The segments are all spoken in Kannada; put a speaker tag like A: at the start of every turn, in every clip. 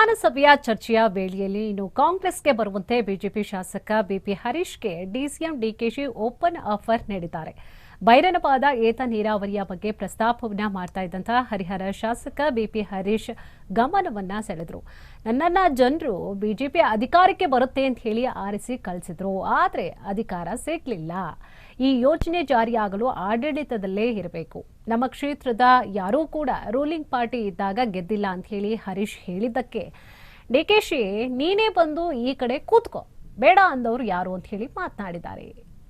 A: ವಿಧಾನಸಭೆಯ ಚರ್ಚೆಯ ವೇಳೆಯಲ್ಲಿ ಇನ್ನು ಕಾಂಗ್ರೆಸ್ಗೆ ಬರುವಂತೆ ಬಿಜೆಪಿ ಶಾಸಕ ಬಿಪಿ ಹರೀಶ್ಗೆ ಡಿಸಿಎಂ ಡಿಕೆಶಿ ಓಪನ್ ಆಫರ್ ನೀಡಿದ್ದಾರೆ. ಬೈರನಪಾದ ಏತ ನೀರಾವರಿಯ ಬಗ್ಗೆ ಪ್ರಸ್ತಾಪವನ್ನ ಮಾಡ್ತಾ ಇದ್ದಂತಹ ಹರಿಹರ ಶಾಸಕ ಬಿಪಿ ಹರೀಶ್ ಗಮನವನ್ನ ಸೆಳೆದ್ರು. ನನ್ನನ್ನ ಜನರು ಬಿಜೆಪಿ ಅಧಿಕಾರಕ್ಕೆ ಬರುತ್ತೆ ಅಂತ ಹೇಳಿ ಆರಿಸಿ ಕಳಿಸಿದ್ರು, ಆದ್ರೆ ಅಧಿಕಾರ ಸಿಗ್ಲಿಲ್ಲ. ಈ ಯೋಜನೆ ಜಾರಿಯಾಗಲು ಆಡಳಿತದಲ್ಲೇ ಇರಬೇಕು. ನಮ್ಮ ಕ್ಷೇತ್ರದ ಯಾರೂ ಕೂಡ ರೂಲಿಂಗ್ ಪಾರ್ಟಿ ಇದ್ದಾಗ ಗೆದ್ದಿಲ್ಲ ಅಂತ ಹೇಳಿ ಹರೀಶ್ ಹೇಳಿದ್ದಕ್ಕೆ ಡಿಕೆಶಿ ನೀನೇ ಬಂದು ಈ ಕಡೆ ಕೂತ್ಕೋ, ಬೇಡ ಅಂದವರು ಯಾರು ಅಂತ ಹೇಳಿ ಮಾತನಾಡಿದ್ದಾರೆ.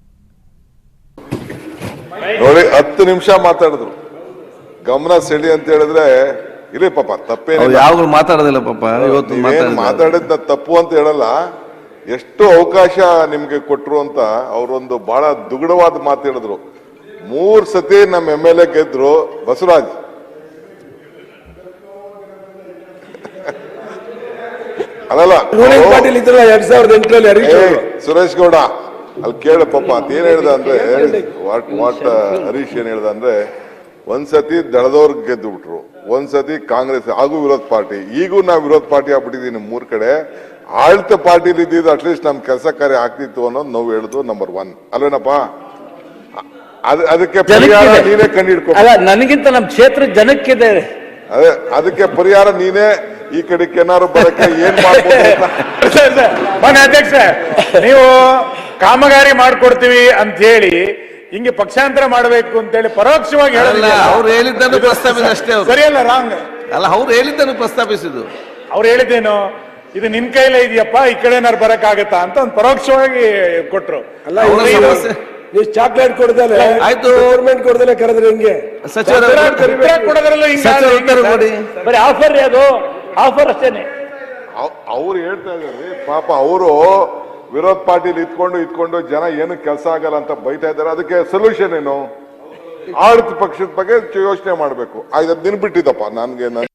B: ನೋಡಿ 10 ನಿಮಿಷ ಮಾತಾಡಿದ್ರು, ಗಮನ ಸೆಳಿ ಅಂತ ಹೇಳಿದ್ರೆ ಇಲ್ಲಿ ಪಾಪ ತಪ್ಪೇನಿಲ್ಲ,
C: ಯಾವಾಗಲೂ ಮಾತಾಡೋದಿಲ್ಲ ಪಾಪ. ಇವತ್ತು
B: ಮಾತಾಡಿದ್ನ ತಪ್ಪು ಅಂತ ಹೇಳಲ್ಲ. ಎಷ್ಟು ಅವಕಾಶ ನಿಮ್ಗೆ ಕೊಟ್ರು ಅಂತ ಅವರೊಂದು ಬಹಳ ದುಗುಡವಾದ ಮಾತು ಹೇಳಿದ್ರು. 3 ಸತಿ ನಮ್ಮ MLA ಗೆದ್ರು ಬಸವರಾಜ್. ಅಲ್ಲಲ್ಲ ಸುರೇಶ್ ಗೌಡ ಅಲ್ಲಿ ಕೇಳ ಪಾಪ ಏನ್ ಹೇಳ್ದ ಅಂದ್ರೆ ವಾಟ್ ಹರೀಶ್ ಏನ್ ಹೇಳ್ದ ಅಂದ್ರೆ ಒಂದ್ಸತಿ ದಳದವ್ರ ಗೆದ್ದು ಬಿಟ್ರು, ಒಂದ್ಸತಿ ಕಾಂಗ್ರೆಸ್ ಹಾಗೂ ವಿರೋಧ ಪಾರ್ಟಿ, ಈಗೂ ನಾವು ವಿರೋಧ ಪಾರ್ಟಿ ಆಗ್ಬಿಟ್ಟಿದೀನಿ. 3 ಕಡೆ ಆಡಳಿತ ಪಾರ್ಟಿಲಿ ಇದ್ದಿದ್ದು ಅಟ್ಲೀಸ್ಟ್ ನಮ್ ಕೆಲಸ ಕಾರ್ಯ ಆಗ್ತಿತ್ತು ಅನ್ನೋದು ನಾವು ಹೇಳುದು ನಂಬರ್ 1 ಅಲ್ವೇನಪ್ಪ. ಅದಕ್ಕೆ ಪರಿಹಾರ ನೀನೇ ಕಂಡಿಡ್ಕೊ.
D: ನನಗಿಂತ ನಮ್ ಕ್ಷೇತ್ರ ಜನಕ್ಕಿದೆ.
B: ಅದೇ ಅದಕ್ಕೆ ಪರಿಹಾರ ನೀನೇ ಈ ಕಡೆಗೆ ಏನಾರು ಬರಕ್ಕೆ ಏನ್ ಮಾಡ್ಬೋದು.
E: ಅಧ್ಯಕ್ಷ, ನೀವು ಕಾಮಗಾರಿ ಮಾಡ್ಕೊಡ್ತೀವಿ ಅಂತ ಹೇಳಿ ಹಿಂಗೆ ಪಕ್ಷಾಂತರ ಮಾಡಬೇಕು ಅಂತ ಹೇಳಿ ಪರೋಕ್ಷವಾಗಿ ಹೇಳಲ್ಲ.
C: ಅವ್ರು ಹೇಳಿದ್ದನ್ನು ಪ್ರಸ್ತಾಪಿಸಿದ ಅಷ್ಟೇ.
E: ಸರಿಯಲ್ಲ, ರಾಂಗ್
C: ಅಲ್ಲ, ಅವ್ರು ಹೇಳಿದ್ದನ್ನು ಪ್ರಸ್ತಾಪಿಸಿದ್ದು.
E: ಅವ್ರು ಹೇಳಿದ್ದೇನು, ಇದು ನಿನ್ ಕೈಲೇ ಇದೆಯಪ್ಪ, ಈ ಕಡೆ ಏನಾರು ಬರಕ್ ಆಗತ್ತಾ ಅಂತ ಒಂದು ಪರೋಕ್ಷವಾಗಿ ಕೊಟ್ರು.
F: ನೀವು ಚಾಕ್ಲೇಟ್ ಕೊಡ್ದಲೆ
C: ಆಯ್ತು,
F: ಗೌರ್ಮೆಂಟ್ ಕೊಡ್ದಲೆ ಕರೆದ್ರೆ ಹಿಂಗೆ
E: ಕೊಡೋದ್ರಲ್ಲೂ
D: ಬರೀ ಆಫರ್, ಅದು ಆಫರ್ ಅಷ್ಟೇನೆ.
B: ಅವ್ರು ಹೇಳ್ತಾ ಇದ್ದಾರೆ ಪಾಪ. ಅವರು ವಿರೋಧ ಪಾರ್ಟಿಲಿ ಇದ್ಕೊಂಡು ಜನ ಏನು ಕೆಲಸ ಆಗಲ್ಲ ಅಂತ ಬೈತಾ ಇದ್ದಾರೆ. ಅದಕ್ಕೆ ಸೊಲ್ಯೂಷನ್ ಏನು? ಆಡಳಿತ ಪಕ್ಷದ ಬಗ್ಗೆ ಯೋಚನೆ ಮಾಡ್ಬೇಕು. 5 ದಿನ ಬಿಟ್ಟಿದ್ದಪ್ಪ ನನ್ಗೆ.